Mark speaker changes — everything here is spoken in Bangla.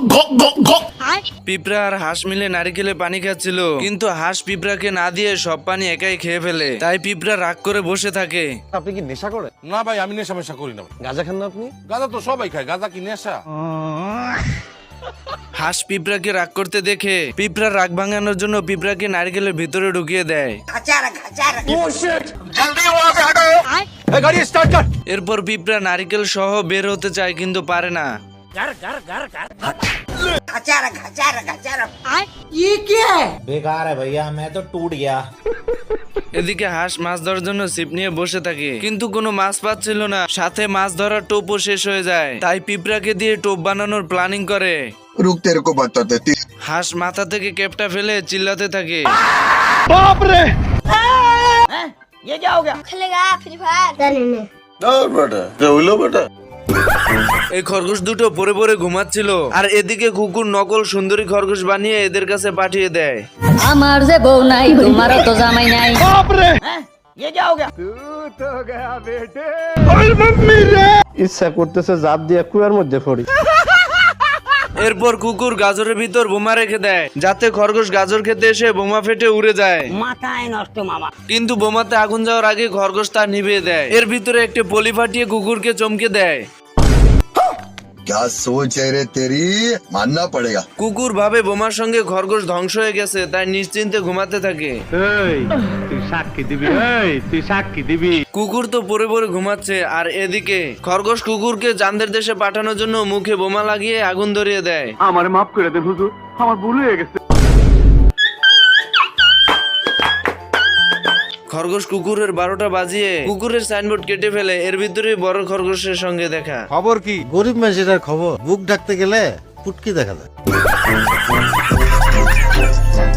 Speaker 1: পিঁপড়া আর হাঁস মিলে নারিকেলে পানি খাচ্ছিল, কিন্তু হাঁস পিঁপড়াকে না দিয়ে সব পানি একাই খেয়ে ফেলে। তাই পিঁপড়া রাগ করে বসে থাকে।
Speaker 2: আপনি কি নেশা করেন?
Speaker 3: না ভাই, আমি নেশা মেশা করি না।
Speaker 2: গাঁজা খান না আপনি?
Speaker 3: গাঁজা তো সবাই খায়, গাঁজা কি নেশা?
Speaker 1: হাঁস পিঁপড়াকে রাগ করতে দেখে পিঁপড়া রাগ ভাঙানোর জন্য পিঁপড়াকে নারকেলের ভিতরে ঢুকিয়ে দেয়।
Speaker 2: গাড়ি স্টার্ট কর।
Speaker 1: এরপর পিঁপড়া নারকেল সহ বের হতে চায়, কিন্তু পারে না।
Speaker 4: बेकार है भैया, मैं तो टूट गया।
Speaker 1: এদিকে হাঁস মাছ ধরার জন্য ছিপ নিয়ে বসে থাকে, কিন্তু কোনো মাছ পাচ্ছিল না। সাথে মাছ ধরার টোপও শেষ হয়ে যায়। তাই পিঁপড়াকে দিয়ে টোপ বানানোর প্ল্যানিং করে।
Speaker 5: रुक तेरे को बताते थे।
Speaker 1: হাঁস মাথা থেকে ক্যাপটা ফেলে চিল্লাতে থাকে।
Speaker 6: खेलेगा फ्री फायर
Speaker 1: এই খরগোশ দুটো পরে পরে ঘুমাচ্ছিল, আর এদিকে কুকুর নকল সুন্দরী খরগোশ বানিয়ে এদের কাছে পাঠিয়ে দেয়।
Speaker 7: আমার যে বউ নাই, তোমারও তো জামাই নাই।
Speaker 2: ইচ্ছা করতেছে জাপ দিয়ে কুয়ার মধ্যে পড়ি।
Speaker 1: এরপর কুকুর গাজরের ভিতর বোমা রেখে দেয়, যাতে খরগোশ গাজর খেতে এসে বোমা ফেটে উড়ে যায়।
Speaker 7: মাথায় নষ্ট মামা।
Speaker 1: কিন্তু বোমাতে আগুন যাওয়ার আগে খরগোশ তা নিভিয়ে দেয়। এর ভিতরে একটি পলি ফাটিয়ে কুকুরকে চমকে দেয়।
Speaker 5: क्या सोच है रे तेरी, मानना पड़ेगा।
Speaker 1: কুকুর ভাবে বোমার সঙ্গে খরগোশ ধ্বংস হয়ে গেছে, তাই নিশ্চিন্তে ঘুমাতে থাকে। কুকুর তো পরে পরে ঘুমাচ্ছে, আর এদিকে খরগোশ কুকুরকে চাঁদের দেশে পাঠানোর জন্য মুখে বোমা লাগিয়ে আগুন ধরিয়ে দেয়।
Speaker 2: আমার মাফ করে দেন হুজুর, আমার ভুল হয়ে গেছে।
Speaker 1: খরগোশ কুকুরের 12টা বাজিয়ে কুকুরের সাইনবোর্ড কেটে ফেলে। এর ভিতরে বড় খরগোশের সঙ্গে দেখা।
Speaker 8: খবর কি? গরিব মানুষের খবর, বুক ডাকতে গেলে পুটকি দেখা যায়।